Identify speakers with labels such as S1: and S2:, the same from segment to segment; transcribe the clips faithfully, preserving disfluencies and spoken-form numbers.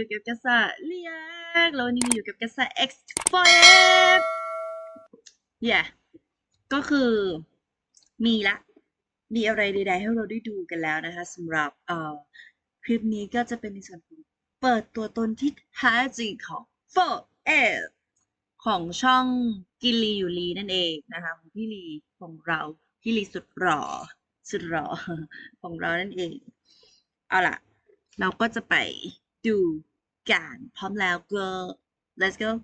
S1: อยู่กับกษัตริย์เลียกแล้ววันนี้มาอยู่กับกษัตริย์ X โฟร์ เอฟ yeah ก็คือมีละมีอะไรใดๆให้เราได้ดูกันแล้วนะคะสำหรับเอ่อคลิปนี้ก็จะเป็นในส่วนของเปิดตัวตนที่แท้จริงของ โฟร์ เอฟ ของช่องกินลีอยู่ลีนั่นเองนะคะของพี่ลีของเราพี่ลีสุดหล่อสุดหล่อของเรานั่นเองเอาล่ะเราก็จะไปดูกันพร้อมแล้วก็ let's go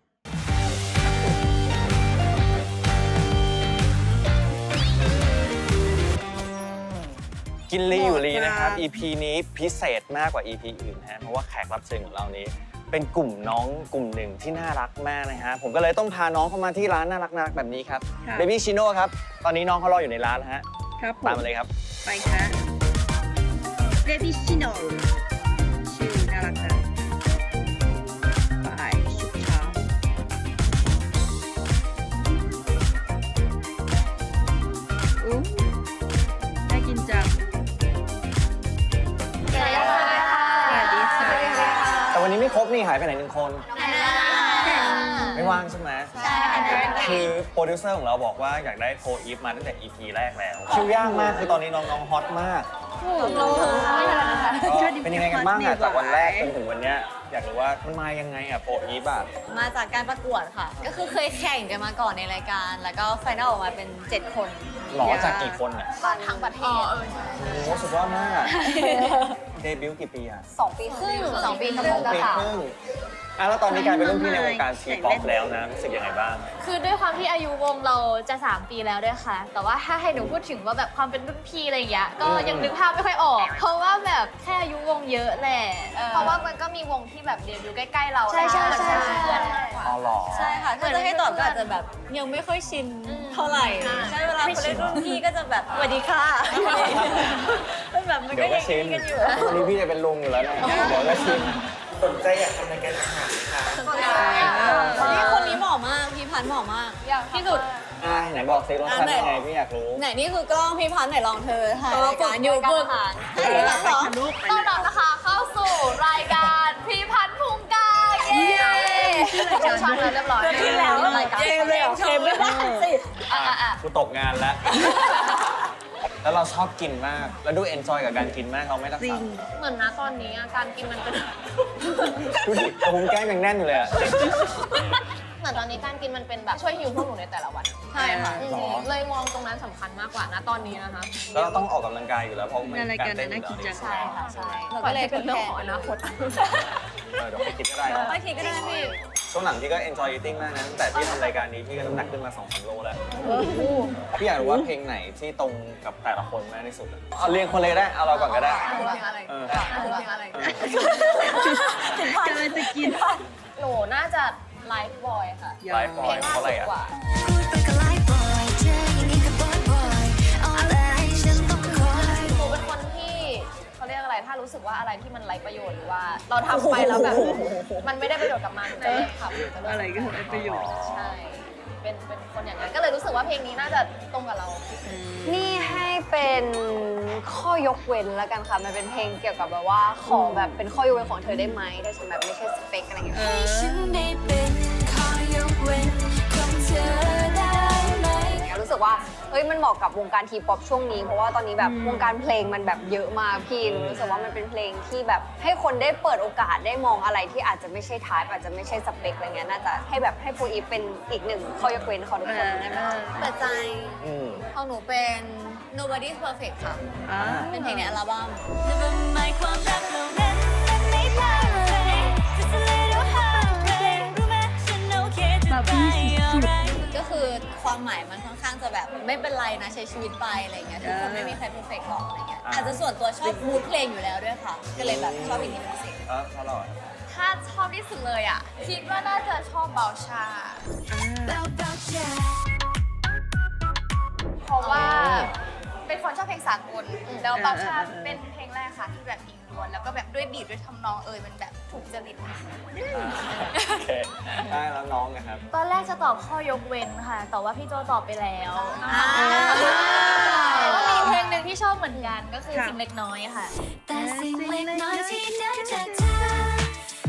S2: กินลีอยู่ลีนะครับ อี พี นี้พิเศษมากกว่า อี พี อื่นนะฮะเพราะว่าแขกรับเชิญของเรานี้เป็นกลุ่มน้องกลุ่มหนึ่งที่น่ารักมากนะฮะผมก็เลยต้องพาน้องเข้ามาที่ร้านน่ารักน่ารักแบบนี้ครับ Baby Chino ครับตอนนี้น้องเขารออยู่ในร้านแล้วฮะ
S1: ครับ
S2: ตามมาเลยครับ
S1: ไปค่ะ Baby Chino ชื่อน่ารักนะไปชุดเช้าอู้น่ากินจัง
S3: สวัสดีค่ะ
S1: สวัสดีค่ะ
S2: แต่วันนี้ไม่ครบนี่หายไปไหนหนึ่งคนไม่ว่างใช่ไหม
S3: ใช่ค่ะ
S2: คือโปรดิวเซอร์ของเราบอกว่าอยากได้โฟร์อีฟมาตั้งแต่ อี พี แรกแล้วคิวยากมากคือตอนนี้น้องๆฮอตมากก็เป็นยังไงกันบ้างอะจากวันแรกจนถึงวันเนี้ยอยากรู้ว่ามันมายังไงอะโฟร์อีฟอะ
S3: มาจากการประกวดค่ะ ก็คือเคยแข่งกันมาก่อนในรายการ แล้วก็ไฟนอลออกมาเป็นเจ็ดคน
S2: หล่อจากกี่คนอะ
S3: ทั้งประเทศ
S2: โอ้สุดยอดมากเดบิวต์กี่ปีอะ
S3: สองปีครึ่งสองปีครึ่ง
S2: สองปี
S3: ค่ะ
S2: ครึ่งอ่ะแล้วตอนนี้กลายเป็นรุ่นพี่ในวงการทีป๊อปแล้วนะรู้สึกยังไงบ้าง
S4: คือด้วยความที่อายุวงเราจะสามปีแล้วด้วยค่ะ แต่ว่าถ้าให้หนูพูดถึงว่าแบบความเป็นรุ่นพี่อะไรอย่างเงี้ย ก็ยังนึกภาพไม่ค่อยออก เพราะว่าแบบแค่อายุวงเยอะแหละ เพราะว่ามันก็มีวงที่แบบเดบิวต์ใกล้ๆเรา
S3: ใช่ใช่ใช่
S4: เพื่อน
S2: อ๋อหรอ
S3: ใช่ค่ะถ้าจะให้ตอบก็อาจจะแบบยังไม่ค่อยชินเท่าไหร่ใช่เวลาคนเล่นรุ่นพี่ก็จะแบบสวัสดีค่ะมันแบบมัน
S2: เดี๋
S3: ก็
S2: ยวก็
S3: ยัง
S2: ชิน
S3: กันอยู่
S2: วันนี้พี่จะเป็นลุงอยู่แล้วนะเดี๋ยวก็ชินสนใจอยากทำรายการอาหารค่ะ
S3: นี่คนนี้เหมาะมากพี่พันธ์เหมาะมากที่สุด
S2: อ่าไหนบอกซิรสชาติยังไงพี่อยากรู้
S3: ไหนนี่คือกล้องพี่พันธ์ไหนลองเธอถ่ายรายการอยู่ฝึกให้ดูหรอ
S4: ต้อนรับนะคะเข้าสู่รายการพี่พันธ์พุงกาเย้ชื่อช่องแล้วเรียบร้อย
S3: ขึ้นแล้ว
S4: รายการ
S3: เกมเลยเหรอเกมไม่ได้สิ
S4: อ่ะอ่ะอ่ะ
S2: กูตกงานแล้ว แล้วเราชอบกินมาก แล้วดูเอนจอยกับการกินมากเราไม่รัก
S1: จริ
S2: ษาง
S4: เหมือนนะตอนนี้การกินมันเป็น
S2: ดูดิภูมิแก้มยังแน่นอยู่เลยอะ
S4: เหมือนตอนนี้การกินมันเป็นแบบช่วยฮิวพวกหนูในแต่ละวัน ใช่ค่ะ
S2: หรอ
S4: เลยมองตรงนั้นสำคัญมากกว่านะตอนนี้นะคะ
S2: แล้วเราต้องออกกำลังกายอยู่แล้วเพราะมัน
S1: ในรายการ
S2: เต้นอ
S1: น่า
S2: ยู่
S1: กิน
S2: แล้ว
S1: จัง
S3: ใช่ค่ะใช่เรา
S4: ปล่
S3: ก็
S4: อย
S3: เล
S4: ให้
S3: ย
S4: เป็นเรื่องของอนาคต
S2: เออเดี๋ยวไปคิดก็ได้นะ
S3: โอเคก็ได้พี่
S2: ช่วงหลังพี่ก็ enjoy eating มากนะตั้งแต่ที่ทำรายการนี้พี่ก็น้ำหนักขึ้นมา สองถึงสาม โลแล้ว พี่อยากรู้ว่าเพลงไหนที่ตรงกับแต่ละคนมากที่สุดอะเอาเรียงคนเลยก็ได้ เอาเราก่อนก็ได้
S4: เพลงอะไร
S2: เออ
S4: เพลงอะไร
S1: กำลังจะกิน
S4: หนูน่าจะไลฟ์บอยค่ะ
S2: ไลฟ์บอยเพราะอะไรอะ
S4: กว่า
S5: พูดไปก็ไลฟ์บอยเจออย่างนี้ก็บอยบอยเอาแต่ให้ฉันต้องคอย
S4: หนูเป็นคนที่เขาเรียกอะไร ถ้ารู้สึกว่าอะไรที่มันไร้ประโยชน์หรือว่า เราทำไปแล้วแบบ มันไม่ได้ประโยชน์กับมันจะเลิกทำจะเลิก
S1: อะไรก็ไร้ประโยชน์
S4: ใช่ เป็นเป็นคนอย่างนั้น ก็เลยรู้สึกว่าเพลงนี้น่าจะตรงกับเรา
S3: นี่ให้เป็นข้อยกเว้นแล้วกันค่ะ มันเป็นเพลงเกี่ยวกับแบบว่าขอแบบเป็นข้อยกเว้นของเธอได้ไหมถ้าฉันแบบไม่ใช่สเปคอะไรอย่างเงี้ย
S5: ให้ฉันได้เป็นข้อยกเว้นของเธอได้ไหม
S3: รู้สึกว่าเฮ้ยมันเหมาะกับวงการทีป๊อปช่วงนี้เพราะว่าตอนนี้แบบวงการเพลงมันแบบเยอะมากพี่รู้สึกว่ามันเป็นเพลงที่แบบให้คนได้เปิดโอกาสได้มองอะไรที่อาจจะไม่ใช่ทายอาจจะไม่ใช่สเปคอะไรเงี้ยน่าจะให้แบบให้โฟอีฟเป็นอีกหนึ่งข้อยกเว้นของทุกคนได้ไหมคะเปิดใจ
S2: อืม
S3: ของหนูเป็น Nobody's Perfect ค่ะ
S1: อ่า
S3: เป็นเพลงในอัลบั้ม
S5: Never mind ความรักเหล่านั้นมันไม่พลาดเลย Just a little heartbreak รู้ไหมฉันโอเคจะไป alright
S3: ก็คือความหมายมันค่อนข้างจะแบบไม่เป็นไรนะใช้ชีวิตไปอะไรเงี้ยทุกคนไม่มีใครเพอร์เฟกต์หรอกอะไรเงี้ยอาจจะส่วนตัวชอบมูดเพลงอยู่แล้วด้วยค่ะ ก็เลยแบบชอบเพลงนี้เป็นพิเศษ
S2: เออเพราะเราอะ
S4: ถ้าชอบที่สุดเลยอ่ะ คิดว่าน่าจะชอบเบาชา
S5: Bow bow Jack
S4: เพราะว่าเป็นคนชอบเพลงสากลแล้วเบาชาเป็นเพลงแรกค่ะที่แบบอิงล้วนแล้วก็แบบด้วยบีทด้วยทำนองเอยมันแบบถูกจริต
S2: โอเคได้แล้วน้องนะครับ
S4: ตอนแรกจะตอบข้อยกเว้นค่ะ แต่ว่าพี่โจตอบไปแล้ว
S3: อ่า
S4: แล้วมีเพลงหนึ่งที่ชอบเหมือนกันก็คือ
S1: ค่ะ
S4: สิ่งเล็กน้อยค่ะ
S5: แต่สิ่งเล็กน้อยที่ได้จากเธอ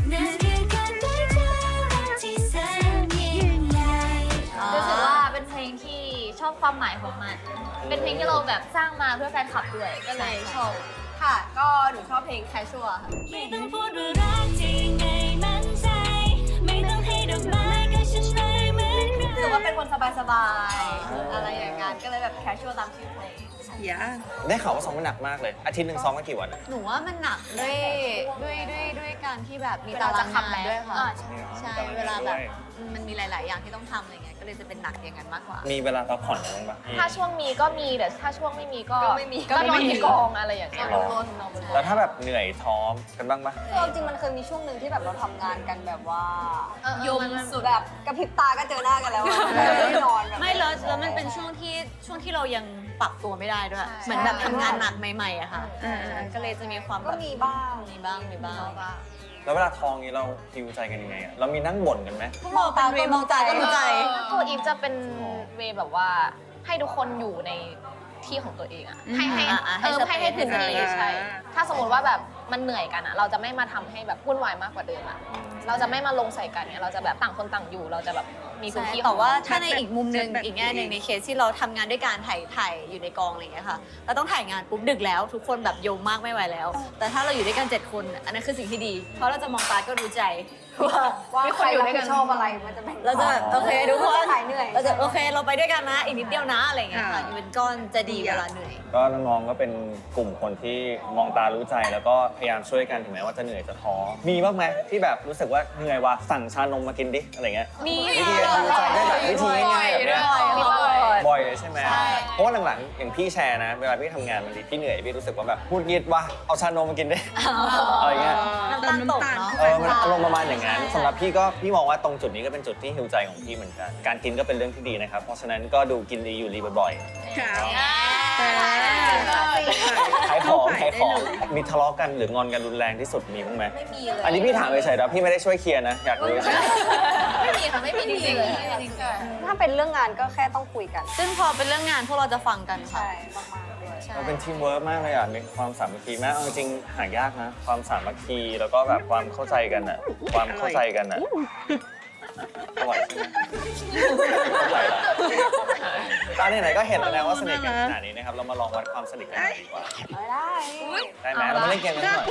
S5: นั่นคือการได้เจอรักที่แสนยิ่งใหญ่
S4: รู้สึกว่าเป็นเพลงที่ชอบความหมายของมัน เป็นเพลงที่เราแบบสร้างมาเพื่อแฟนคลับด้วย ก็เลยชอบ
S6: ค่ะ ก็หนูชอบเพลง Casual ค่ะ
S5: ไม่ต้องพูดว่ารักจริงไงมั่นใจ ไม่ต้องให้ดอกไม้ก็ฉันไม่เหมือนใคร
S6: คือว่าเป็นคนสบายๆ อะไรอย่างงั้นก็เลยแบบ Casual ตามชื่อเพลง
S1: อย่า
S2: ได้ข่าวว่าซ้อมมันหนักมากเลย อาทิตย์หนึ่งซ้อมกันกี่วันอะ
S7: หนูว่ามันหนักด้วยด้วยด้วยด้วยการที่แบบมีตารางงานด้วยค่ะ
S4: อ่า
S7: ใช่เวลาแบบมันมีหลาย ๆ อย่างที่ต้องทำอะไรเงี้ยก็เลยจะเป็นหนักอย่างนั้นมากกว่า
S2: มีเวลาพักผ่อนบ้างปะ
S4: ถ้าช่วงมีก็มีแต่ถ้าช่วงไม่มีก็
S6: ก็ไม่มี
S4: ก็นอนที่กองอะไรอย่างเงี้ย
S2: หรอแล้วถ้าแบบเหนื่อยท้อกันบ้างปะ
S3: คือเอาจริงมันเคยมีช่วงหนึ่งที่แบบเราทำงานกันแบบว่า
S4: เออเออมันมัน
S3: สุดแบบกระพริบตาก็เจอหน้ากันแล้วอะไม่นอนแบบ
S7: ไม่แล้วแล้วมันเป็นช่วงที่ช่วงที่เรายังปรับตัวไม่ได้ด้วย เหมือนแบบทำงานหนักใหม่ๆอะค่ะ
S1: เออเออ
S7: ก็เลยจะมีความแบ
S3: ก็
S7: บ
S3: มีบ้าง
S7: มีบ้างมีบ้าง
S2: แล้วเวลาท้องนี้เราฮิวใจกันยังไงอะเรามีนั่งบ่นกันไหม
S7: พวกเราเป็นเวมองตาก็รู้ใจ
S4: ตัวอีฟจะเป็นเวย์แบบว่าให้ทุกคนอยู่ในที่ของตัวเองอะให้ให้
S7: อ่าอ่าให้
S4: เออ
S7: สเปซ
S4: ให้ให้พื้นที่
S1: ให้สเปซ
S4: ใช่ถ้าสมมติว่าแบบมันเหนื่อยกันอะเราจะไม่มาทำให้แบบวุ่นวายมากกว่าเดิมอะเราจะไม่มาลงใส่กันเนี่ยเราจะแบบต่างคนต่างอยู่ เราจะแบบมีพื้น
S7: ใช่
S4: ที่
S7: แต่ว่า
S4: ของเร
S7: ถ้าในอีกมุมหนึ่ง
S1: แบบ
S7: อีกแง่หนึ่งในเคสที่เราทำงานด้วยการถ่ายถ่ายอยู่ในกองอะไรอย่างเงี้ยค่ะเราต้องถ่ายงานปุ๊บดึกแล้ว ทุกคนแบบโยมมากไม่ไหวแล้ว แต่ถ้าเราอยู่ด้วยกันเจ็ดคนอันนั้นคือสิ่งที่ดี เพราะเราจะมองตาก็รู้ใจว่า
S3: ว่า
S7: มี
S3: ใคร
S7: อยู่
S3: รับ
S7: ด้วย
S3: ผิ
S7: กั
S3: ด
S7: น
S3: ชอบอะไรมันจะแบ่ง
S7: เราจะแบบโอเคทุกคน
S3: หายเหนื่อย
S7: เราจะโอเคเราไปด้วยกันนะอีกนิดเดียวนะอะไรอย่างเงี้ยค่ะ
S1: อ่า
S7: อยู่เป็นก้อนจะดีเวลาเหนื่อย
S2: ก็น้องๆก็เป็นกลุ่มคนที่มองตารู้ใจแล้วก็พยายามช่วยกันถึงแม้ว่าจะเหนื่อยจะท้อมีบ้างไหมที่แบบรู้สึกว่าเหนื่อยว่ะสั่งชานมมากินดิอะไรเงี้ย
S7: มี
S2: วิธีการรู้ใจได้แบบวิธีง่ายๆแบบเนี้ย
S7: บ่อย
S2: บ่อยเลยใช่ไหม
S7: ใช่
S2: เพราะว่าหลังๆอย่างพี่แชร์นะ เวลาพี่ทำงานบางทีพี่เหนื่อยพี่รู้สึกว่าแบบพูดยิดว่ะเอาชานมมากินดิ อะไรเงี้ย
S7: น้ำตาลตกเนาะ
S2: เออมันอารมณ์ประมาณอย่างนั้นสำหรับพี่ก็พี่มองว่าตรงจุดนี้ก็เป็นจุดที่ฮิวใจของพี่เหมือนกัน การกินก็เป็นเรื่องที่ดีนะครับ เพราะฉะนั้นก็ดูกินดีอยู่ดีบ่อย
S1: ครับ
S2: ๆขายของขายของมีทะเลาะกันหรืองอนกันรุนแรงที่สุดมีบ้างไหม
S7: ไม่มีเลย
S2: อันนี้พี่ถามเฉยๆนะพี่ไม่ได้ช่วยเคลียร์นะอยากรู้เฉย
S7: ไม่มีค่ะไม่มีจริงๆเลย
S3: ถ้าเป็นเรื่องงานก็แค่ต้องคุยกัน
S7: ซึ่งพอเป็นเรื่องงานพวกเราจะฟังกันค่ะ
S3: ใช่มากๆด้วย
S7: ใช่
S2: เราเป็นทีมเวิร์กมากเลยอ่ะมีความสามัคคีมากเอาจริงๆหายากนะ ความสามัคคีแล้วก็แบบความเข้าใจกันอ่ะ ความเข้าใจกันอ่ะอร่อยใช่ไหมเข้าใจละตอนนี้ไหนๆก็เห็นแล้วนะว่าสนิทกันขนาดนี้นะครับ เรามาลองวัดความสนิทกันหน่อยดีกว่า
S3: ได้
S2: ได้ไหมเรามาเล่นเกมกันหน่อย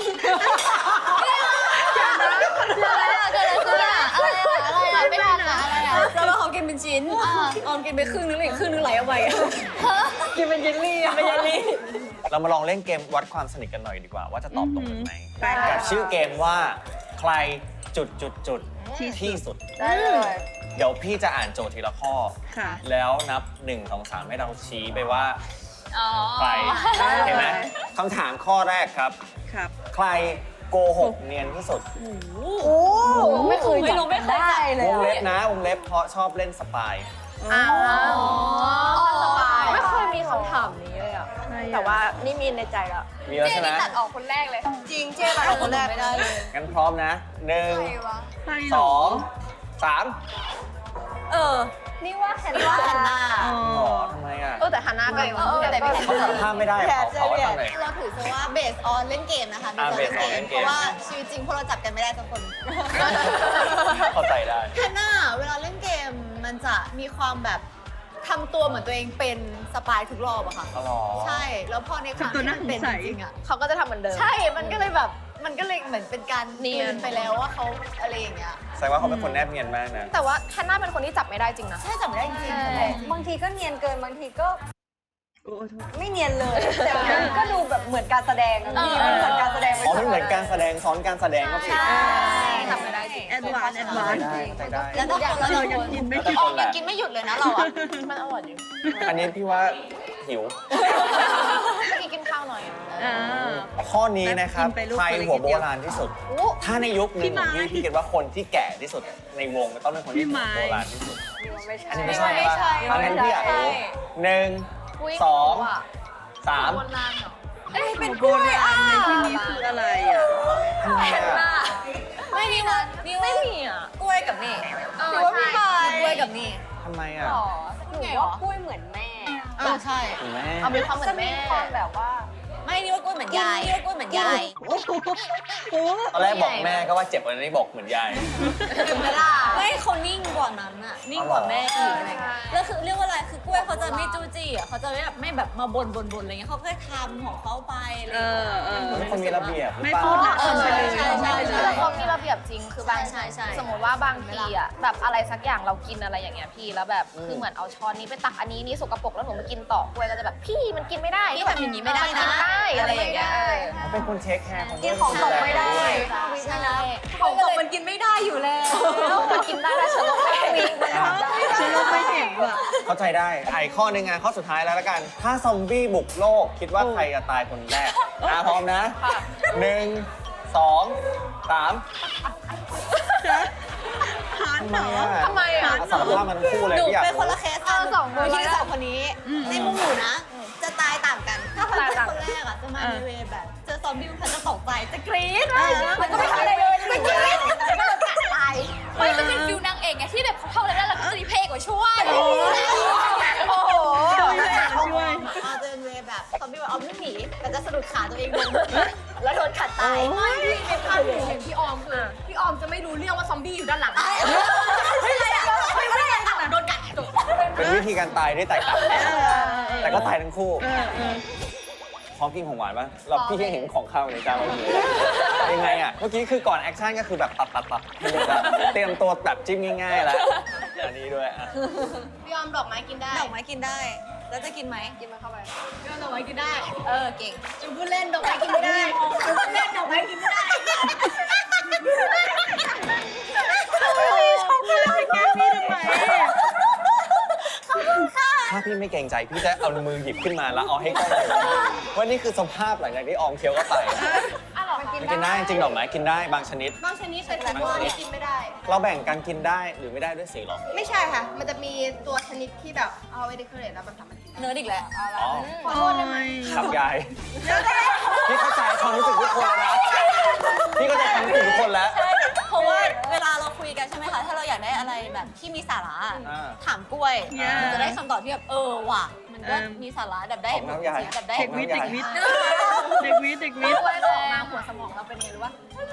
S7: อะไรอะเกิดอะไรขึ้นอะอะไรอะอะไรอะไม่ทันอะอะไรอะแล้วเราเขากินเป็นชิ้นออมกินไปครึ่งนึงเลยอีกครึ่งนึงไหลออกไปอะกินเป็นเยลลี่อะเป็นเยลลี่
S2: เรามาลองเล่นเกมวัดความสนิทกันหน่อยดีกว่า ว่าจะตอบตรงกันไหม
S1: ไป
S2: กับชื่อเกมว่าใครจุดจุดจุดที่สุด
S3: ได้เลย
S2: เดี๋ยวพี่จะอ่านโจทย์ทีละข้อ
S1: ค่ะ
S2: แล้วนับหนึ่งสองสามให้เราชี้ไปว่า
S4: อ๋อ
S2: ใครเห็นไหมคำถามข้อแรกครับ
S1: ครับ
S2: ใครโกหกเนียนที่สุด
S3: โอ้ไม่เคย
S7: ไม่รู้ไม่เคย
S3: ได้เล
S2: วย งเล็บนะวงเล็บเพราะชอบเล่นสปาย
S1: อ๋อ
S6: สบาย
S3: ไม่เคยมีคำถามนี้เลยอ่ะ
S1: ใครอะ
S3: แต่ว่านี่มีในใจแล้ว
S2: มีแล้วใช่ไหม
S6: ตัดออกคนแรกเลย
S3: จริงเจ๊ตัดคนแรก
S7: ไม่ได้เลย
S2: งั้นพร้อมนะหนึ่ง
S1: ใคร
S2: ส
S1: เหร
S2: องสาม
S7: เออ
S3: นี่ว่าแฮน
S7: นี่ว่า
S3: นา
S7: ฮันน่า
S1: อ๋อ
S2: หรอทำไมอ่ะ
S3: เออแต่ฮันนาก็
S7: เออแต่ไม่ได้
S2: เขาสารภาพไม่ได้ขอขอทำหน่อย
S7: เราถือซะว่าเบสออนเล่นเกมนะคะ
S2: อ่า
S7: based
S2: based on เล่นเกม
S7: เพราะว่าชีวิตจริงพวกเราจับกันไม่ได้สักคน
S2: เข้าใจได้
S7: ฮันน่าเวลาเล่นเกมมันจะมีความแบบทำตัวเหมือนตัวเองเป็นสปายทุกรอบอะค่ะ
S2: อ๋อเหรอ
S7: ใช่ แล้วพอในความ
S1: ทำตัว
S7: ที่
S1: น่า
S7: มันเป็น
S1: สงสั
S7: จ
S1: ย
S7: ริงๆอะ
S3: เขาก็จะทำเหมือนเดิม
S7: ใช่ มันก็เลยแบบ มันก็เลยเหมือนเป็นการ
S3: เนี
S7: เนี
S3: ย
S7: ย
S3: น
S7: นไปแล้วว่าเขาอะไรอย่างเงี้ย
S2: แสดงว่าเขาเป็นคนแนบเนียนมากนะ
S4: แต่ว่าแฮนน่าเป็นคนที่จับไม่ได้จริงนะ
S7: ใช่จับไม่ได้จริงๆ
S3: บางทีก็เนียนเกินบางทีก็
S1: โอ้โทษ
S3: ไม่เนียนเลยแต่มันก็ดูแบบเหมือนการแสดงอะพี่มันเหมือนการแสดง
S2: อ๋อมันเหมือนการแสดงซ้อนการแสดงก็ผิด
S7: ใช่
S4: ทำไม่ได้จริง
S1: แอดวานซ์แอดวานซ์
S2: ได้เข้าใจได้
S7: แล้วก็คนละ
S1: เรา
S7: ค
S1: ยัง
S7: น
S1: กินไม่
S2: แล้วแต่
S1: ถึง
S2: คนแห
S7: ยัง
S2: ละ
S7: กินไม่หยุดเลยนะเราอะ
S4: มันอร่อยอยู่
S2: อันนี้พี่ว่าหิว
S4: เมื่อกี้กินข้าวหน่อย
S1: อ่า
S2: ข้อนี้นะครับ
S1: กินไปลูก
S2: ใคร
S1: คนละ
S2: หัว
S1: นิด
S2: โบ
S1: เดียว
S2: ราณที่สุด ถ้าในยุคหนึ่ง
S1: พี่
S2: ของ
S1: ไม้
S2: พี่พี่คิดว่าคนที่แก่ที่สุดในวงก็ต้องเป็นคนที่
S1: พี่
S2: หั
S1: ไม้
S2: วโบราณที่สุด
S3: ไม่ใช่
S2: อันนี้ไม่ใช่
S7: ไม่ใช่
S2: ปะอันนั้นพี่อยากรู้หนึ่ง
S4: อุ๊ย
S2: สอง
S4: อ่ะ
S2: สาม
S4: โบราณเหรอ
S1: เอ้ยเป็นโบราณในที่นี้คืออะไรอ่ะ
S2: ทำไมอะ
S7: ไม่นี่ว่านี่ว่า
S4: ไม่มีอ่ะ
S7: กล้วยกับนี่
S4: เออ
S7: หรือว่าพี่
S4: ใช่
S7: บายกล้วยกับนี่
S2: ทำไมอ่ะ
S3: หนูว่ากล้วยเหมือนแม่
S7: เออใช่
S2: คุณแม่
S4: เอามีความเหมือนแม่
S3: จะมีความแบบว่า
S7: ไม่นี่ว่ากล้วยเหมือนยายกล้วยเหมือนยาย
S1: โอ้โหโอ้โห
S2: ตอนแรกบอกแม่ก็ว่าเจ็บวันนี้บอกเหมือนยาย
S7: ถึงเวลาไม่เขานิ่งกว่านั้นอะนิ่งกว่าแม่อีกอะไรเงี้ยแล้วคือเรียกว่าอะไรคือกล้วยเขาจะไม่จู้จี้อะเขาจะไม่แบบไม่แบบมาบ่นบ่นบ่นอะไรเงี้ยเขาแค่ทำของเขาไปอะไร
S1: เอ
S7: เงี้ย
S1: อเออ
S2: เป็นคนมีระเบียบหรือ
S1: ไม่
S2: เปล่า
S1: พูดละ
S7: เออ
S1: ไปเลย
S7: ใช่ใช่ใช่
S4: เขามีระเบียบจริงคือบาง
S7: ใช่ใช่
S4: สมมติว่าบางทีอ่ะแบบอะไรสักอย่างเรากินอะไรอย่างเงี้ยพี่แล้วแบบ
S2: อืม
S4: คือเหมือนเอาช้อนนี้ไปตักอันนี้นี่สกปรกแล้วหนูมากินต่อกล้วยก็จะแบบพี่มันกินไม่ได้
S7: พี่ทำอย่างนี้ไม่ได้นะ
S4: มักิได้อะไรอย่างเงี้ยเออ
S2: เขาเป็นคนเทคแคร์ของ
S3: กินของตกไม่ได้
S7: ใช่
S3: ของตกมันกินไม่ได้อยู่แล้ว
S4: มันกินได้แต่ฉันลงไม่ได้
S1: ฉันลงไปเห็นว่ะ
S2: เข้าใจได้ไอ้ข้อหนึ่งไงข้อสุดท้ายแล้วละกัน ถ้าซอมบี้บุกโลก คิดว่าใครจะตายคนแรกอ่ะพร้อมนะหนึ่งสองสาม
S1: ฮาร์ดเหรอ
S4: ทำไมอ่ะ
S2: สารภาพมันคู่เลย
S7: หนู
S2: พี่อยาก
S7: เป็นคน
S2: รู้
S7: ละเคสกัน
S4: เออสองคน
S7: หนูคิดว่าสองคนนี้
S1: อืม
S7: ในมุมหนูนะ จะตายต่างกัน ถ้าคน
S4: ตาย
S7: เป็น
S4: ต่าง
S7: คนแรกอะจะมา
S1: เออ
S7: ในเวย์แบบ เจอซอมบี้มันจะตกใจจะกรี๊ด
S1: เออ
S7: มันก็ไม่ทำอะไรเลยมันกรี๊ดแล้วก็จะตาย
S4: มันจะเป็นฟิลนางเอกไงที่แบบเขาเท่าอะไรได้แล้วก็จะรีเพย์กว่าช่วย
S1: โอ้โห
S4: โอ้โห
S1: ช่วยช่วย
S7: มาเจอเวย์แบบซอมบี้ว่าเอาไม่หนีแต่จะสะดุดขาตัวเองลงแล้วโดนขัดตาย
S4: ไม่ในภาพที่หนูเห็นพี่ออมคือพี่ออมจะไม่รู้เรื่องว่าซอมบี้อยู่ด้านหลัง
S7: ไม่เลยอะไม่ได้ยังต่างโดนกัดจบ
S2: เป็นวิธีการตายที่แตกต่าง
S1: เออ
S2: แต่ก็ตายทั้งคู่
S1: เออเออ
S2: พร้อมกินของหวานปะเราพี่ยังเห็นของข้าวในจานเราอยู่เลยยังไงอ่ะ เมื่อกี้คือก่อนแอคชั่นก็คือแบบตัดตัดตัดให้เลยแบบเตรียมตัวแบบจิ้มง่ายๆแล้ว อันนี้ด้วยอ่ะ
S4: พี่ออมดอกไม้กินได้
S7: ดอกไม้กินได้ แล้วจะกินไหม
S4: กินมันเข้าไป
S7: พี่ดอกไม้กินได้ เออเก่ง
S4: จูพูดเล่นดอกไม้กินไม่ได้จูพูดเล่นดอกไม้กินไม่ได้
S1: ชอบพูดอะไรแกพี่ทำไม
S2: ถ้าพี่ไม่เกรงใจพี่จะเอามือหยิบขึ้นมาแล้วเอาให้กล้องดูว่านี่คือสภาพหลังจากที่ออมเคี้ยวเข้าไป
S4: อ่ะหรอมันกิน
S2: มันกินได้จริงๆดอกไม้กินได้บางชนิด
S6: บางชนิดเป็นแต่พวกนี้กินไม่ได้
S2: เราแบ่งกันกินได้หรือไม่ได้ด้วยสีหรอ
S6: ไม่ใช่ค่ะ มันจะมีตัวชนิดที่แบบเอาไว้เดคอเรทแล้วมันทำมันกินได้
S7: เนื้ออีกแล้ว
S2: อ๋อ
S6: ขอโทษได้ไหม
S2: ครับยายพี่เข้าใจความรู้สึกทุกคนแล้วนะพี่เข้าใจความรู้สึกทุกคนแล้ว
S7: เพราะว่าเวลาเราคุยกันใช่ไหมคะ ถ้าเราอยากได้อะไรแบบที่มีสาระ
S2: อ่า
S7: ถามกล้วย
S1: อ่ามั
S7: มันจะได้คำตอบที่แบบเออว่ะ มันก็
S1: เออ
S7: มีสาระแบบได้
S2: ของน้ำยา
S7: แบบได้
S1: เด็กวิทย์เด็กวิทย์เด็กวิทย์เด็กวิทย์
S4: กล้วยออกมาหัวสมองเราเป็นไงรู้ปะ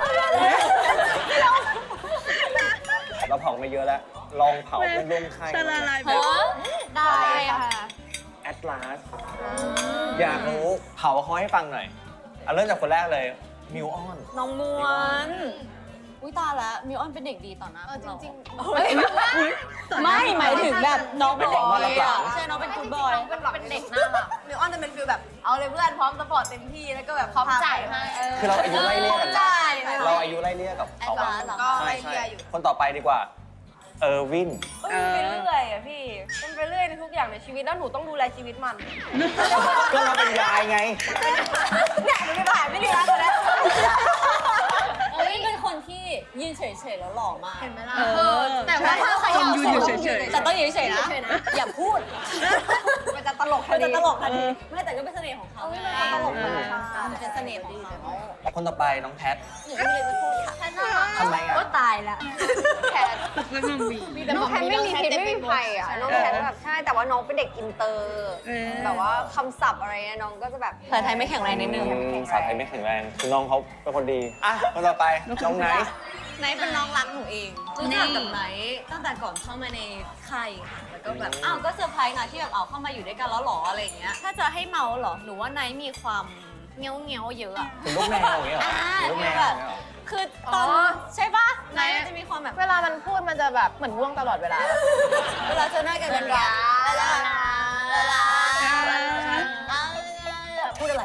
S2: เราเผามาเยอะแล้ว ลองเผาเป็นร่วมค่าย
S1: จะละลายแบ
S7: เอบ อ
S4: ได้ค่ะ
S2: แอตลาสอยากรู้เผาเขาให้ฟังหน่อยเอาเริ่มจากคนแรกเลยมิวออน
S7: น้องม้วนอุ้ยตายแล้วมิวออนเป็นเด็กดีต่อหน้า
S4: เออจริง
S7: ๆไม่หมายถึงแบบน้องเป็นเด็กดีอะใช่น้องเป็นกูดบอย
S4: ๆเป็นเป็นเด็กน่ารัก
S6: มิวออนจะเป็นฟิลแบบ เอาเลยเพื่อนพร้อมสปอร์ตเต็มที่แล้วก็แบบ
S4: พร้อมจ่ายให้
S6: เออ
S2: คือเราอายุไล่เลี่ยกัน
S6: ใช่
S2: เราอายุไล่เลี่ยกับเขา
S7: แอดวานซ์เหรอ
S6: ก็
S2: ใช่
S6: ไล่
S2: ใช่
S6: เลี่ยอยู่
S2: คนต่อไปดีกว่า เออร์วิน
S6: เออมันไปเรื่อยอะพี่มันไปเรื่อยในทุกอย่างในชีวิตแล้วหนูต้องดูแลชีวิตมัน
S2: ก็เราเป็นยายไง
S6: เนี่ยหนูไม่ผ่านไม่ดีแล้วนะ
S7: เอ้ยเป็นคนที่ยืนเฉยๆแล้วหล่อมาก
S4: เห็นไหมล่ะ
S1: เออ
S4: แต่ว่าถ้าใคร
S1: คนยืนอยู่เฉยๆ
S7: แต่ต้องยืนเฉยๆนะ อย่าพูด
S6: มันจะตลกทั
S7: มัน น
S6: ที
S7: จะตลกทันทีไม่แต่ก็เป็นเสน่ห์ของเขาไง
S6: มันตลก
S7: เอ
S6: มาก
S7: อมันเป็นเสน่ห์ของเขา
S2: คนต่อไปน้องแพท
S7: หนูไม่มีอะไรจะพูดค่ะ
S2: ทำไมอ่ะ
S7: ก็ตายละ
S3: แคท
S1: แล้วก็มี
S3: น้องแคทไม่มีพิษไม่มีภัยอ่ะน้องแคทแบบใช่แต่ว่าน้องเป็นเด็กอินเตอร์
S1: เออ
S3: แบบว่าคำศัพท์อะไรเนี่ยน้องก็จะแบบ
S7: ภาษาไทยไม่แข็งแรงนิดนึง
S2: อืมสาวไทยไม่แข็งแรง คือน้องเขาเป็นคนดี อ่ะ คนต่อไป น้องไนท์
S7: ไนท์เป็นน้องรักหนูเองรู้จักกับไนท์ตั้งแต่ก่อนเข้ามาในค่ายค่ะแล้วก็แบบ
S2: อืม
S7: อ้าวก็เซอร์ไพรส์นะที่แบบเอาเข้ามาอยู่ด้วยกันแล้วหรออะไรอย่างเงี้ยถ้าจะให้เมาเหรอหนูว่าไนท์มีความเงี้ยวเงี้ยวๆเยอะอะ
S2: เป็นลูกแมวอย่างเงี้ยเหรอ
S7: อ่า
S2: เป็นลูกแมว
S7: แบ
S2: อบ ย่างเงี้ยเหรอ
S7: คือตอน
S4: อ๋อ
S7: ใช่ปะไนท์มันจะมีความแบบ
S4: เวลามันพูดมันจะแบบเหมือนง่วงตลอดเวลา
S7: เวลาเจอหน้ากันเป็นรักเวลาเวลาพูดอะไร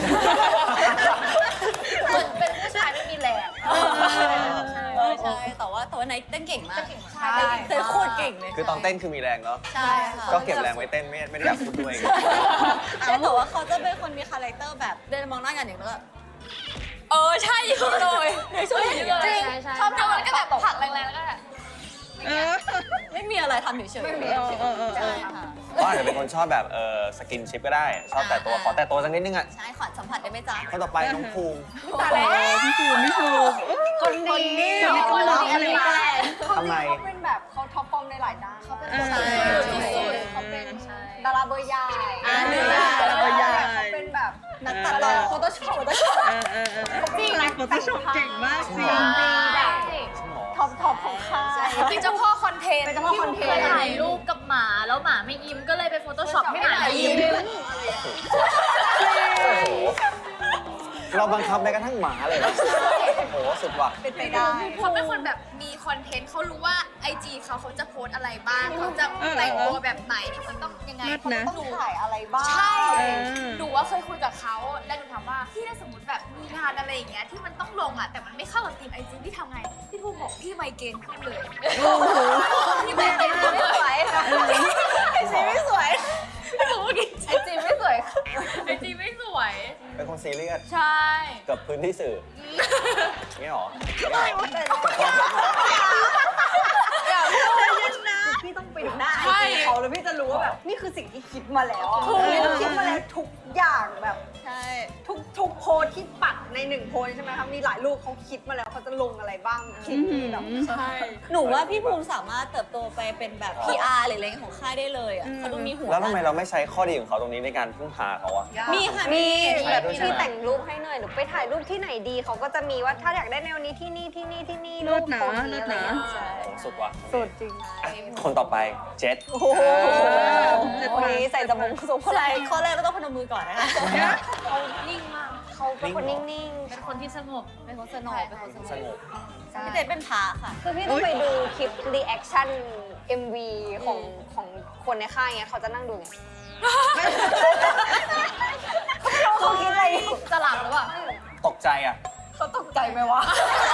S4: เหมือนเป็นผู้ชายไม่มีแรง
S7: ใช่ใช่แต่ว่าแต่ว่าไนท์เต้นเก่งมากใช่เต้นโคตรเก่งเลย
S2: คือตอนเต้นคือมีแรงเนาะ
S7: ใช่ค่ะ
S2: ก็เก็บแรงไว้เต้นไม่ไม่ได้อยากพูดด้วยไง
S7: ใช่แต่ว่าเขาจะเป็นคนมีคาแรคเตอร์แบบเดินมองหน้ากันอย่างนี้แล้วก็เออใช่เลยในช่วงนี้
S4: จริงชอบทำมันก็แบบผลักแรงๆแล้วก็แบบ
S1: เออ
S7: ไม่มีอะไรทำเฉยๆ
S1: ไม่มีเออเออเออ
S7: ใช่ค่ะ
S2: ก็อาจจะเป็นคนชอบแบบเออสกินชิปก็ได้ ชอบแต่ตัว ขอแต่ตัวสักนิดนึงอ่ะ
S7: ใช่ขอสัมผัสได้ไหมจ๊ะ
S2: คนต่อไปน้องภูมิ
S1: ตายแล้วพี่ภูมิพี่ภูมิ
S3: คนดี
S1: คนดี
S3: คนดี
S2: ทำไม
S3: เขาเป็นแบบเขาท็อปฟอร์มในหลายด้านเขาเป็น
S1: เออ
S3: คนดี
S1: ใช่
S3: เขาเป็นดาราเบอร์ใหญ่
S7: อ่า
S1: ดาราเบอร์ใหญ่
S3: เขาเป็นแบบ
S7: นักตัดต่อโฟโต้ช็อปโฟโต้ช็อป
S1: เออเออเออจริงโฟโต้ช็อปเก่งมากจริง
S3: ท็อปท็อปของค่าย
S4: เป็นเจ้าพ่อคอนเทนต์
S3: เป็นเจ้าพ่อคอนเทนต์
S4: ที่เคยถ่ายรูปกับหมาแล้วหมาไม่ยิ้มก็เลยไปโฟโต้ช็อปให้หมายิ้ม
S2: เราบังคับแม้กระทั่งหมาเลยนะโอ้โหสุดว่ะ
S7: เป็นไปได้
S4: เขาเป็นคนแบบมีคอนเทนต์เขารู้ว่าไอจีเขาเขาจะโพสอะไรบ้างเขาจะแต่งตัวแบบไหนมันต้องยังไง
S1: เลิศนะ
S3: ต้องถ่ายอะไรบ้าง
S4: ใช่
S1: เออ
S4: หนูว่าเคยคุยกับเขาแล้วหนูถามว่าพี่ถ้าสมมติแบบมีงานอะไรอย่างเงี้ยที่มันต้องลงอ่ะแต่มันไม่เข้ากับทีมไอจีพี่ทำไงพี่ทูบอกพี่ไมเกรนขึ้นเลย
S1: โอ้โห
S4: พี่ไมเกรนขึ้นเลย
S7: ไอจีไม่สวย
S4: ไม่รู้ว่า
S3: ไอจีไม่สวย
S4: ไอจีไม่สวย
S2: เป็นคนซีเรียส
S4: ใช่
S2: กับพื้นที่สื่อนี่หรอ
S3: พี่ต้องไปดูหน้าไอจีเขาแล้วพี่จะรู้ว่าแบบนี่คือสิ่งที่คิดมาแล้วอะคิดมาแล้วทุกอย่างแบบ
S7: ใช่
S3: ทุกทุกโพสที่ปักในหนึ่งโพสใช่ไหมคะมีหลายรูปเขาคิดมาแล้วเขาจะลงอะไรบ้างคิดแบบ
S7: ใช่หนูว่าพี่ภูมิสามารถเติบโตไปเป็นแบบ พี อาร์ หรืออะไรของค่ายได้เลยอ่ะเขาดูมีหัว
S2: แล้วทำไมเราไม่ใช้ข้อดีของเขาตรงนี้ในการพึ่งพาเขาอะ
S7: มีค่ะ
S3: มี
S2: ใช่
S3: แบบ
S2: ด้วยใช่
S3: พี่
S2: ไหม
S3: แต่งรูปให้หน่อยหรือไปถ่ายรูปที่ไหนดีเขาก็จะมีว่าถ้าอยากได้แนวนี้ที่นี่ที่นี่ที่นี่
S1: เลิศนะ
S3: รูปโพส
S1: เลิ
S3: นี้
S1: ศ
S3: อะไร
S1: นะ
S3: เงี้ยใช่
S2: สุดว่ะ
S3: สุดจริง
S2: อ่ะคนต่อไปเจ็ด
S3: โอ้โหวันนี้ใส่สมงสม
S7: ใช่ข้อแรกก็ต้องพนมมือก่อนนะคะ
S4: เขานิ่งมาก
S3: เขาเป็นคนนิ่ง
S4: เป็นคนที่สงบ
S7: เป็นคนสนอเป็นคนส
S2: ส
S7: ง
S2: ง
S7: บบ
S3: ๆ
S7: พี่เจเป็นพาค่ะ
S3: คือพี่ต้องไปดูคลิปรีแอคชั่น เอ็ม วี ของของคนในค่ายเงี้ยเขาจะนั่งดูไงเขาคิดอะไรอยู่
S4: จะหลับหรือเปล่า
S2: ตกใจอ่ะ
S3: เขาตกใจไหมวะ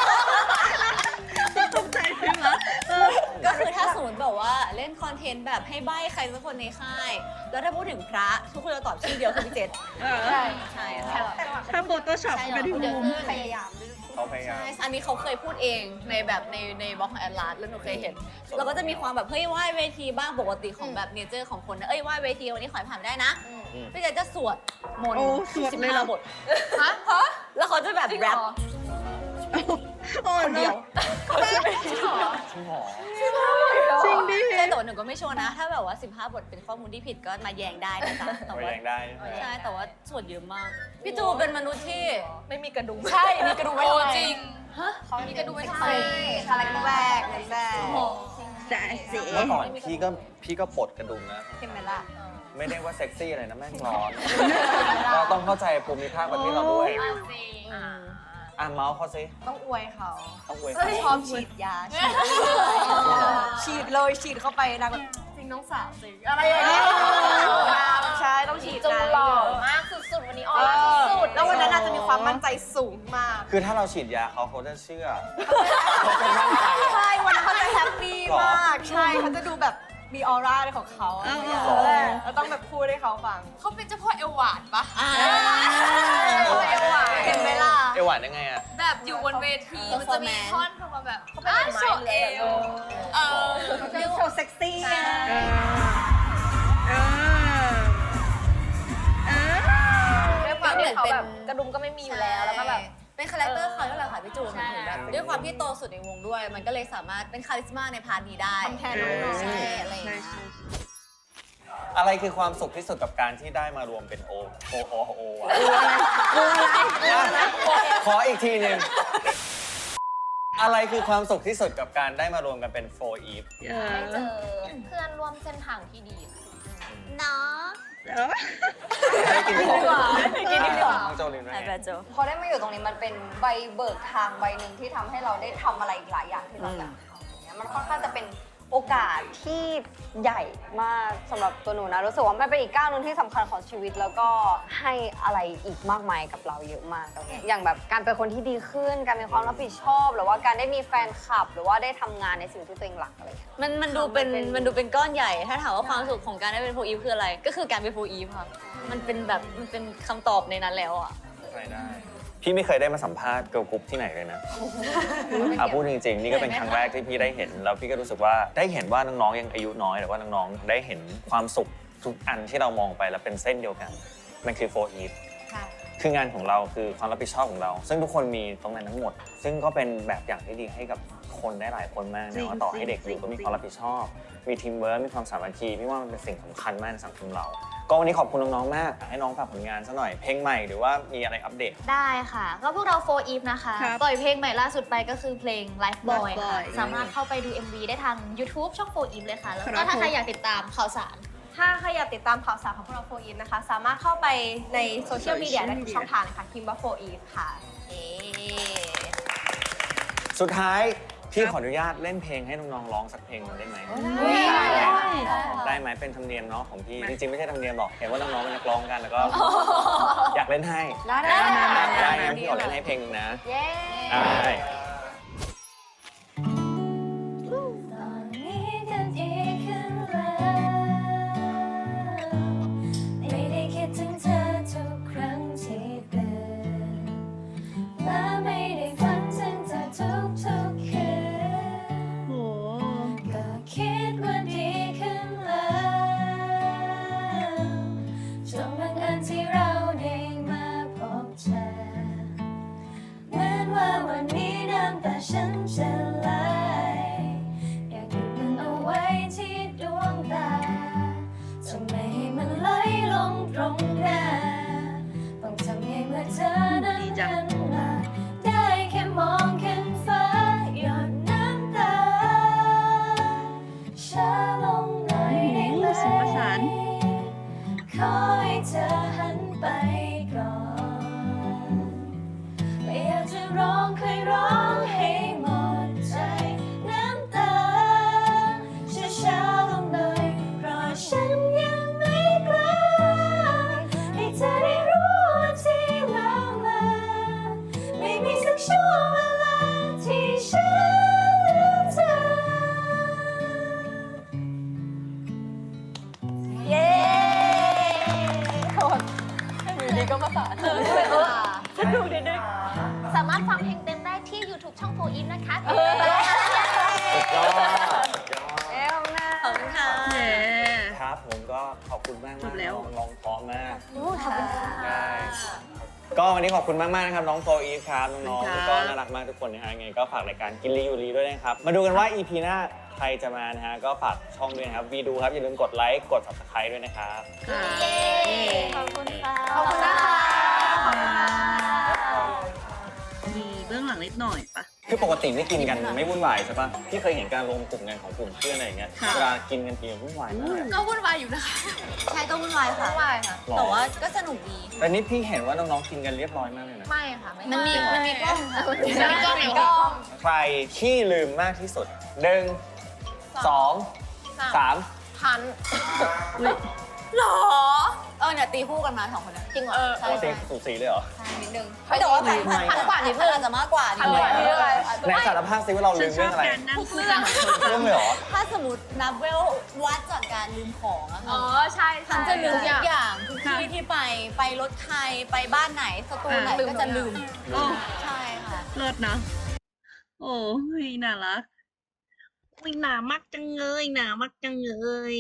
S1: ตกใจใช่ไหมเออ
S7: ก็คือถ้าสมมติแบบว่าเล่นคอนเทนต์แบบให้ใบ้ใครสักคนในค่าย แล้วถ้าพูดถึงพระทุกคนจะตอบชื่อเดียวคือพี่เจษ
S1: เออ
S3: ใช่
S7: ใช่ค่ะ
S1: ถ้าโฟโต้ช็อปก็พี่ภูมิ
S3: พยายามด้วย
S2: เขาพยายาม
S7: ใช่อันนี้เขาเคยพูดเองในแบบในในบล็อกของแอดลาสแล้วหนูเคยเห็นเราก็จะมีความแบบเฮ้ยไหว้เวทีบ้างปกติของแบบเนเจอร์ของคนนะเอ้ยไหว้เวทีวันนี้ขอให้ผ่านได้นะพี่เจษจะสวดมนต์
S1: โอ้สวด
S7: สิบ
S1: เลย
S7: ห้า
S1: เหรอ
S7: บท
S4: ฮะฮะ
S7: แล้วเขาจะแบบ
S4: จริง
S7: แร
S4: เหร
S7: ป
S4: อ
S1: โอ้
S7: คนเดียว
S4: จริงเหรอ
S2: จริงเหรอ
S1: จริงดิ
S7: ใช่แต่ว่าหนูก็ไม่ชัวร์นะ ถ้าแบบว่าสิบห้าบทเป็นข้อมูลที่ผิดก็มาแย้งได้นะจ๊ะแต่
S2: ไป
S7: ว่า
S2: แรงได้ใช่ไหม
S7: ใช่แต่ว่าสวดเยอะมาก พี่จูเป็นมนุษย์ที่ไม่มีกระดุม
S4: ใช่ มีกระดูกไว้ทำไมจริง ฮะ มีกระดูกไว้ทำไม
S3: คาแรคเตอร์แรกเน้นแรก
S1: แต่เสี
S2: เมื่อก่อนพี่ก็พี่ก็ปลดกระดุมนะ
S3: เห็นไหมล่ะ
S2: ไม่ได้ว่าเซ็กซี่อะไรนะแม่งร้อน เราต้องเข้าใจภูมิภาคประเทศเราด้วย
S4: จริง
S2: อ่ะเมาส์เขาสิ
S3: ต้องอวยเขา
S2: ต้องอวย
S3: เอ้ย
S2: เขา
S3: ชอบฉีดยา ฉีดฉีดเลยฉีดเข้าไปนางแบบจริงน้องสาวสิอะไรอย่างเงี้ยใช่ต้องฉีด
S6: จู
S3: นะ
S6: หล่อมากสุดๆ วันนี้ออร่าสุดๆ
S3: แล้ววันนั้นอาจจะมีความมั่นใจสูงมาก
S2: คือถ้าเราฉีดยาเขาเขาจะเชื่อ
S3: ใช่วันนั้นเขาจะแฮปปี้มาก ใช่เขาจะดูแบบมีออร่าในของเขาอะไรอย่างเงี้ยเราต้องแบบพูดให้เขาฟัง
S4: เขาเป็นเจ้าพ่อเอวหวานปะ
S7: อ่า
S3: เอวหวานเห็นไหมล่ะ
S2: เอวหวานยังไงอ่ะ
S4: แบบอยู่บนเวที มันจะมี
S7: Performance
S4: ท่อนประมาณแบบอ้าโชว์เอวเออ
S3: เขาจะโชว์เซ็กซี่
S1: เออเออเออ
S6: ด้วยความที่เขาแบบกระดุมก็ไม่มีอยู่แล้ว แล้วก็แบบ
S7: เป็นคาแรคเตอร์เขาที่เราค่ะพี่จูน
S4: ใช่
S7: มันถึงแบบด้วยความที่โตสุดในวงด้วย มันก็เลยสามารถเป็นคาริสมาในพาร์ทนี้ได้
S3: ทำแทนน้องๆ
S7: ใช่อะไรอย่าง
S1: ใช่
S7: เงี้ย
S1: ใช่
S2: อะไรคือความสุขที่สุดกับการที่ได้มารวมเป็นโอโอโอโออะ
S1: กลัวอะไรกลัวอะไร
S2: ขออีกทีหนึ่งอะไรคือความสุขที่สุดกับการได้มารวมกันเป็นโฟร์อีฟ
S1: เออ
S6: ได้เจอเพื่อนร่วมเส้นทางที่ดี
S7: เนาะ
S1: เออ
S2: ได้กินของ
S3: กินดีกว่า
S2: น้องโจลินว่า
S7: ไอ้
S2: ไง
S7: แบบโจ
S3: พอได้มาอยู่ตรงนี้มันเป็นใบเบิกทางใบหนึ่งที่ทำให้เราได้ทำอะไรอีกหลายอย่างที่เราอยากทำอย่างเงี้ยมันค่อนข้างจะเป็นโอกาสที่ใหญ่มากสำหรับตัวหนูนะรู้สึกว่ามันเป็นอีกก้าวหนึงที่สำคัญของชีวิต แล้วก็ให้อะไรอีกมากมายกับเราเยอะมากตรงเนี้ยอย่างแบบการเป็นคนที่ดีขึ้น การมีความรับผิดชอบ หรือว่าการได้มีแฟนคลับ หรือว่าได้ทำงานในสิ่งที่ตัวเองรักอะไรเงี้ย
S7: มันมันดูเป็น
S3: มันเป็น
S7: มันดูเป็นก้อนใหญ่ ถ้าถามว่าความสุขของการได้เป็นโฟอีฟคืออะไร ก็คือการเป็นโฟอีฟค่ะมันเป็นแบบมันเป็นคำตอบในนั้นแล้วอ่ะ
S2: ใช่ได้ พี่ไม่เคยได้มาสัมภาษณ์เกิร์ลกรุ๊ปที่ไหนเลยนะอ่ะพูดจริงๆ นี่ก็เป็นครั้งแรกที่พี่ได้เห็น แล้วพี่ก็รู้สึกว่าได้เห็นว่าน้องๆ ยังอายุน้อยแต่ว่าน้องๆ ได้เห็นความสุขทุกอันที่เรามองไปแล้วเป็นเส้นเดียวกัน มันคือโฟร์อีฟ คืองานของเราคือความรับผิดชอบของเรา ซึ่งทุกคนมีตรงนั้นทั้งหมด ซึ่งก็เป็นแบบอย่างที่ดีให้กับคนได้หลายคนมาก
S1: จริ
S2: นะ
S1: ง
S2: ว่าต่อให้เด็กอยู่
S1: จริง
S2: ก็มีความรับผิดชอบ มีทีมเวิร์คมีความสามัคคีพี่ว่ามันเป็นสิ่งสำคัญมากในสังคมเราก็วันนี้ขอบคุณน้องๆมากให้น้องฝากผลงานซะหน่อยเพลงใหม่หรือว่ามีอะไรอัปเดต
S4: ได้ค่ะ ก็พวกเราโฟร์อีฟนะคะ
S1: ครับ
S4: ปล่อยเพลงใหม่ล่าสุดไปก็คือเพลง Life Boy
S1: Life
S4: ค่ะ
S1: Boy
S4: สามารถเข้าไปดู เอ็ม วี ได้ทาง YouTube ช่องโฟร์อีฟเลยค่ะ แล้ว
S1: ครั
S4: ก็
S1: บ
S4: ถ้าใคร
S1: ผม
S4: อยากติดตามข่าวสาร
S6: ถ้าใครอยากติดตามข่าวสารของพวกเราโฟอีฟนะคะ สามารถเข้าไปในโซเชียลมีเดียได้ทุกช่องทางเลยค่ะพิมพ์ว่าโฟอีฟค่ะ
S7: เอ๊ะ
S2: สุดท้ายพี่ขออนุญาตเล่นเพลงให้น้องๆร้องสักเพลงหนึ่งได้ไหม
S1: ได้
S2: ได้ไหมเป็นธรรมเนียมเนาะของพี่จริงๆไม่ใช่ธรรมเนียมหรอกเห็นว่าน้องๆเป็นนักร้องกันแล้วก็ อยากเล่นให้
S3: ได้ได้
S2: ได้งั้นพี่ขอเล่นให้เพลงหนึงนะ
S3: เย้
S2: ได้
S5: ตอนนี้กันดีขึ้นแล้วไม่ได้คิดถึงเธอทุกครั้งที่ตื่นและไม่ได้ฝันถึงเธอทุกทุกๆคืน
S1: โห
S5: ก็คิดว่าดีขึ้นแล้วจนบังเอิญที่เราได้มาพบเธอเหมือนว่าวันนี้น้ำตาฉันจะไหลอยากหยุดมันเอาไว้ที่ดวงตาจะไม่ให้มันไหลลงตรงหน้าต้องทำให้เมื่อเธอนั้นหันมาได้แค่มองขึ้นฟ้าหยดน้ำตาช้าลงหน่อยได้ไหม
S1: เสียงประสาน
S5: ขอให้เธอหันไปก่อนไม่อยากจะร้องเคยร้องให้หมดใจน้ำตาช้าๆลงหน่อยเพราะฉันยังไม่กล้าให้เธอได้รู้ว่าที่เรามาไม่มีสักช่วงเวลาที่ฉันลืมเธอ
S3: เย้อยู่ดีก็มาสาน
S4: สนุกนิดนึงสามารถฟังเพลงเต็มได้ที่ YouTube ช่องโฟร์อีฟนะคะ
S2: สุดยอดสุดยอด
S3: เอ้ยนะ
S7: ขอบคุณค่ะ
S1: เย้
S2: ครับผมก็ขอบคุณมาก
S1: จบแล้ว
S2: น้องๆเพราะมาก
S3: ขอบคุณค่ะ
S2: ได้ก็วันนี้ขอบคุณมาก ๆ นะครับ น้องโฟอีฟครับน้อง
S1: ขอบคุณครับ
S2: ๆก็น่ารักมากทุกคนนะฮะยังไงก็ฝากรายการกินรีอยู่รีด้วยนะครับ มาดูกันว่า อี พี หน้าใครจะมานะฮะก็ฝากช่องด้วยนะครับวีดูครับ อย่าลืมกดไลค์กด ซับสไครบ์ ด้วยนะครับ
S1: ค่ะ
S3: ขอบคุณค่ะ
S6: ขอบคุณนะคะ
S1: มีเบื้องหลังนิดหน่อยปะ
S2: คือปกติไม่กินกันไม่วุ่นวายใช่ปะพี่เคยเห็นการรวมกลุ่มกันของกลุ่มเพื่อนอะไรอย่างเงี้ย
S1: ค่ะ
S2: เวลากินกันทีวุ่นวายมาก
S4: ก็วุ่นวายอยู่นะคะ
S7: ใช่ก็วุ่นวายค่ะ
S6: ไม่ค่ะ
S2: หรอ
S7: แต่ว่าก็สนุกดี
S2: แต่นี่พี่เห็นว่าน้องๆกินกันเรียบร้อยมากเลยนะ
S6: ไม่ค่ะ ไม่
S7: มันมีมันมีกล้องค่ะ
S6: มีกล้องมีกล้อง
S2: ใครขี้ลืมมากที่สุดหนึ่งสองสาม
S6: พัน
S1: อุ้ย
S7: หรอ เออเนี่ยตีคู่กันมาสองคนนะ
S6: จริงเหรอ
S2: ปกติสูสีเลยเหรอ
S7: นิดนึงไม่แต่ว่าพันพันพันกว่านิดนึงอาจจะมากกว่านิดนึง
S6: พันกว่า
S2: ในสารภาพซิว่าเรา
S1: ฉั
S2: ลื
S1: น
S2: ม
S1: ช
S2: เรื่
S1: อ
S2: อบ งอะไร
S1: การนั่งคุยกัน
S2: เรื่องเลยเหรอ
S7: ถ้าสมมตินับเวลวัดจากการลืมของอะ
S6: อ๋
S7: ค่ะ
S6: อ ใช่
S7: พันจะลืมทุกอย่างทุก
S1: ค่ะ
S7: ที่ที่ไป ไปรถใคร ไปบ้านไหน สตูไหน
S1: อ่ะ
S7: ก็จะลืม
S1: โอ้
S7: ใช่ค่ะ
S1: เลิศนะ โอ้ยน่ารักอุ้ยหนามากจังเลยหนามากจังเลย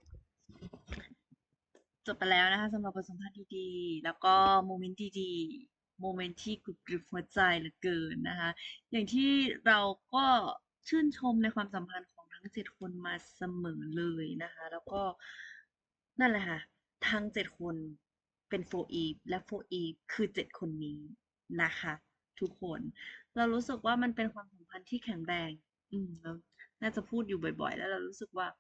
S1: จบไปแล้วนะคะสำหรับบทสัมภาษณ์ดีๆ แล้วก็โมเมนต์ดีๆ โมเมนต์ที่กรุบกริบหัวใจเหลือเกินนะคะ อย่างที่เราก็ชื่นชมในความสัมพันธ์ของทั้งเจ็ดคนมาเสมอเลยนะคะ แล้วก็นั่นแหละค่ะ ทั้งเจ็ดคนเป็นโฟอีฟและโฟอีฟคือเจ็ดคนนี้นะคะ ทุกคน เรารู้สึกว่ามันเป็นความสัมพันธ์ที่แข็งแรง อืมแล้วน่าจะพูดอยู่บ่อย ๆ แล้วเรารู้สึกว่า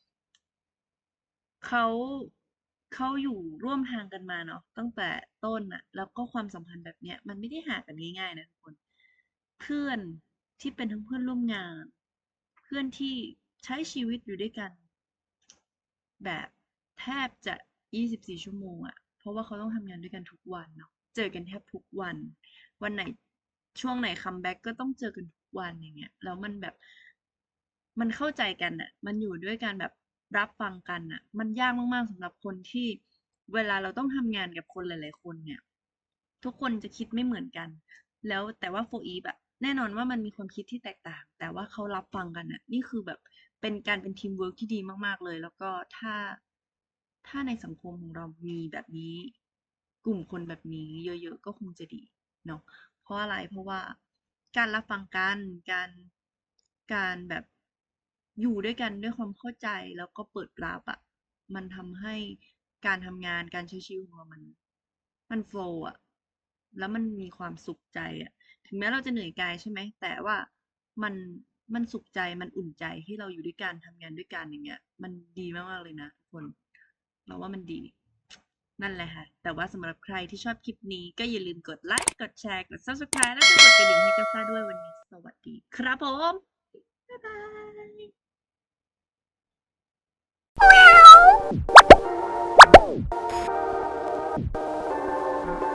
S1: เขาเขาอยู่ร่วมทางกันมาเนาะตั้งแต่ต้นน่ะ แล้วก็ความสัมพันธ์แบบเนี้ย มันไม่ได้หากันง่ายๆนะทุกคน เพื่อนที่เป็นทั้งเพื่อนร่วมงาน เพื่อนที่ใช้ชีวิตอยู่ด้วยกัน แบบแทบจะ ยี่สิบสี่ ชั่วโมงอะเพราะว่าเขาต้องทำงานด้วยกันทุกวันเนาะเจอกันแทบทุกวัน วันไหนช่วงไหนคัมแบ็กก็ต้องเจอกันทุกวันอย่างเงี้ยแล้วมันแบบ มันเข้าใจกันอะมันอยู่ด้วยกันแบบรับฟังกันอะมันยากมากๆสำหรับคนที่เวลาเราต้องทำงานกับคนหลาย ๆ คนเนี่ย ทุกคนจะคิดไม่เหมือนกัน แล้วแต่ว่าโฟอีฟอะแน่นอนว่ามันมีความคิดที่แตกต่าง แต่ว่าเขารับฟังกันอะนี่คือแบบเป็นการเป็นทีมเวิร์กที่ดีมากๆเลย แล้วก็ถ้าถ้าในสังคมของเรามีแบบนี้ กลุ่มคนแบบนี้เยอะๆก็คงจะดีเนาะเพราะอะไรเพราะว่าการรับฟังกันการการแบบอยู่ด้วยกันด้วยความเข้าใจแล้วก็เปิดรับอะมันทำให้การทำงานการใช้ชีวิตของเรามัน มันโฟล์อะแล้วมันมีความสุขใจอะถึงแม้เราจะเหนื่อยกายใช่ไหมแต่ว่ามันมันสุขใจมันอุ่นใจที่เราอยู่ด้วยกันทำงานด้วยกันอย่างเงี้ย มันดีมากๆเลยนะทุกคน เราว่ามันดี นั่นแหละค่ะ แต่ว่าสำหรับใครที่ชอบคลิปนี้ก็อย่าลืมกดไลค์ กดแชร์ กด Subscribe แล้วก็กดกระดิ่งให้กาแฟด้วยวันนี้ สวัสดีครับผม บ๊ายบาย